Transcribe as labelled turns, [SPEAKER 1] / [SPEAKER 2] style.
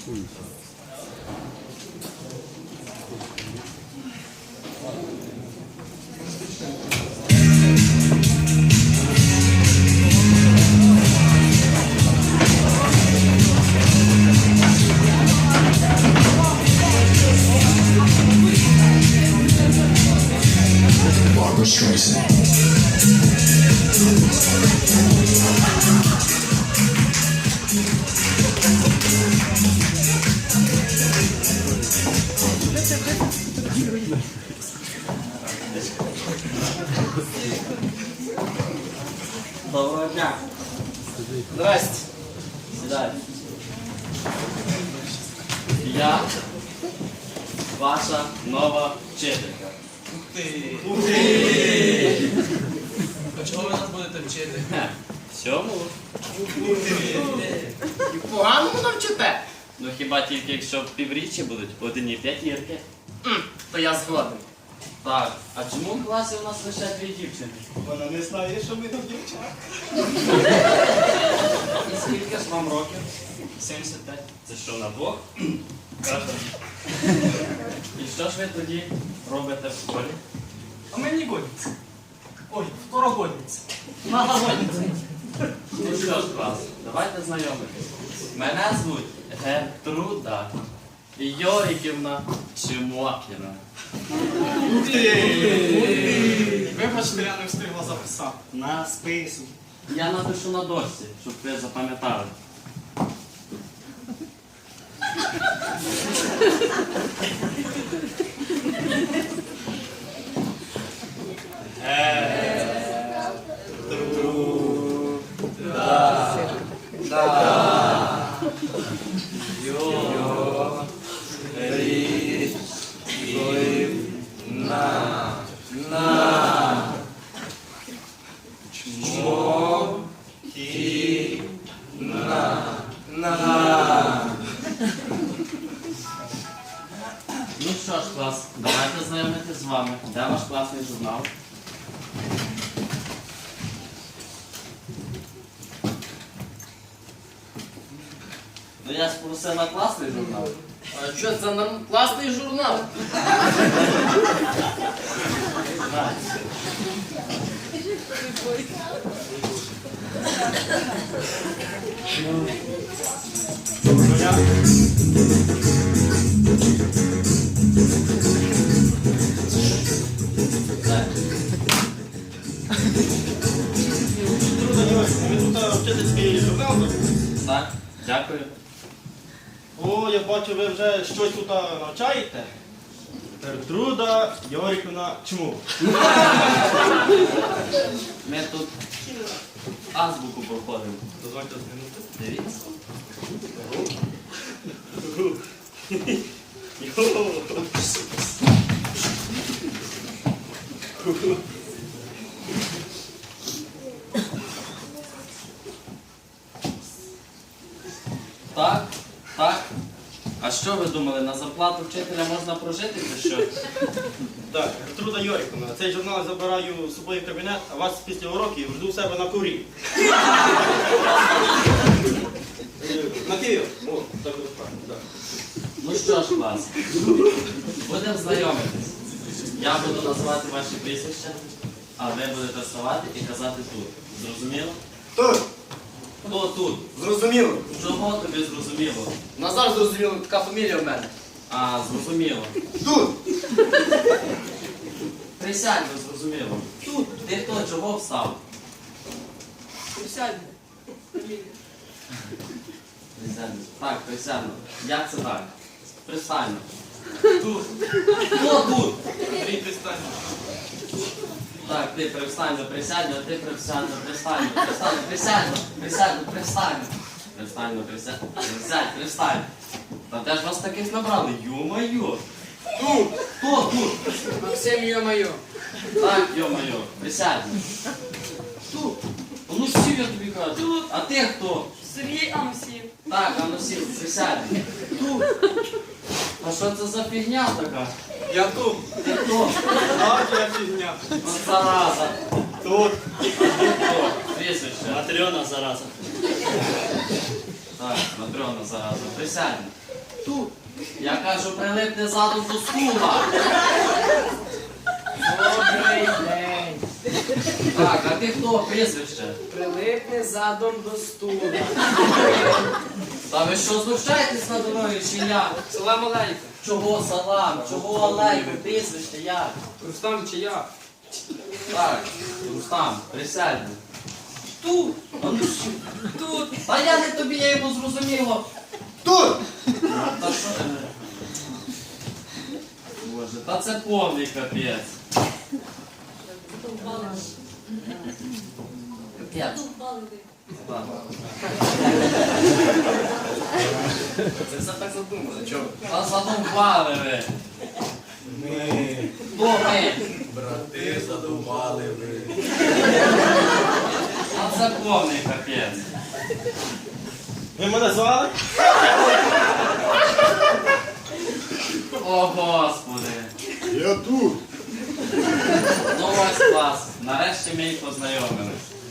[SPEAKER 1] Barbra Streisand.
[SPEAKER 2] Доброго дня. Здрасте. Сідайте. Я ваша нова вчителька.
[SPEAKER 3] Ух ти! А чого ви нас будете вчити?
[SPEAKER 2] Всьому?
[SPEAKER 4] І поганому навчите?
[SPEAKER 2] Ну хіба тільки якщо півріччя будуть одні п'ятірки.
[SPEAKER 4] То я згоден.
[SPEAKER 2] Так, а чому в класі у нас лише 2 дівчини?
[SPEAKER 3] Вона не знає, що ми тут дівчата.
[SPEAKER 2] І скільки ж вам років? 75. Це що, на двох? І що ж ви тоді робите в школі?
[SPEAKER 3] А ми не годиться. Ой, второгодниця.
[SPEAKER 2] Ну що ж, клас, давайте знайомитись. Мене звуть Гертруда Йоріківна Чимокіна.
[SPEAKER 3] Ух ти! Вибачте, я не встигла записати. На спису.
[SPEAKER 2] Я напишу на дошці, щоб ви запам'ятали. Ну що ж, клас, давайте знайомитись з вами. Де ваш класний журнал? Ну я ж просила класний журнал.
[SPEAKER 4] А що це класний журнал?
[SPEAKER 2] Знаєте.
[SPEAKER 3] Ви тут вчительський журнал?
[SPEAKER 2] Так, дякую.
[SPEAKER 3] О, я бачу, ви вже щось тут навчаєте. Гертруда Йоріківна Чмук.
[SPEAKER 2] Ми тут азбуку проходимо.
[SPEAKER 3] Дозвольте змінити.
[SPEAKER 2] Дивіться. Так, так. А що ви думали, на зарплату вчителя можна прожити чи що?
[SPEAKER 3] Так, Гертруда Йоріківна, цей журнал забираю з собою в кабінет, а вас після уроків жду у себе на курі. На Київ. О, так от правильно, так.
[SPEAKER 2] Ну що ж, клас, будемо знайомитись. Я буду називати ваші прізвища, а ви будете вставати і казати тут. Зрозуміло?
[SPEAKER 4] Тут.
[SPEAKER 2] Хто тут?
[SPEAKER 4] Зрозуміло.
[SPEAKER 2] Чого тобі зрозуміло?
[SPEAKER 4] Назар зрозуміло, така фамілія в мене.
[SPEAKER 2] А, зрозуміло.
[SPEAKER 4] Тут.
[SPEAKER 2] Присядь, бо зрозуміло. Тут. Ти хто, чого встав?
[SPEAKER 4] Присядь.
[SPEAKER 2] Присядь. Так, присядь. Як це так? Пристань. Тут. Хто тут?
[SPEAKER 3] Андрій, пристань.
[SPEAKER 2] Так, ти привстань, присядь, а ти привстань, пристань, пристань, присядь, присядь, пристань. Пристань, присядь, присядь, пристань. Та де ж вас таких набрали? Ё-моё!
[SPEAKER 4] Тут.
[SPEAKER 2] Хто тут?
[SPEAKER 4] Максим, йо-моє.
[SPEAKER 2] Так, ё-моё, присядь. Тут. Ну сів, я тобі кажу.
[SPEAKER 5] Тут.
[SPEAKER 2] А ти хто?
[SPEAKER 5] Сергій Амосів.
[SPEAKER 2] Так, а ну сів, присядь. Тут. А що це за фігня така?
[SPEAKER 3] Я тут.
[SPEAKER 2] Ти хто?
[SPEAKER 3] Так, я фігня.
[SPEAKER 2] От зараза.
[SPEAKER 3] Тут.
[SPEAKER 2] Хто? Прізвище.
[SPEAKER 3] Матріона, зараза.
[SPEAKER 2] Так, Матрона зараза, присядь. Тут. Я кажу, прилипни задом до стула.
[SPEAKER 1] Добрий день.
[SPEAKER 2] Так, а ти хто? Прізвище?
[SPEAKER 1] Прилипни задом до стула.
[SPEAKER 2] Та ви що, знущаєтесь надо мною чи як?
[SPEAKER 4] Салам алейкум.
[SPEAKER 2] Чого салам? Чого алейкум? Прізвище як?
[SPEAKER 4] Рустам чи я?
[SPEAKER 2] Так, Рустам, присядь.
[SPEAKER 4] Тут.
[SPEAKER 2] Тут. Та я не тобі, я йому зрозуміло.
[SPEAKER 3] Тут!
[SPEAKER 2] Та що ти? Боже, та це повний капець. Капець. Так.
[SPEAKER 4] Це все так задумали. Чого?
[SPEAKER 2] Та задовбали ви. Хто ми?
[SPEAKER 5] Брати задумали ви.
[SPEAKER 2] А це повний капець.
[SPEAKER 3] Ви мене звали?
[SPEAKER 2] О, Господи.
[SPEAKER 5] Я тут.
[SPEAKER 2] Ну ось клас. Нарешті ми їх познайомились.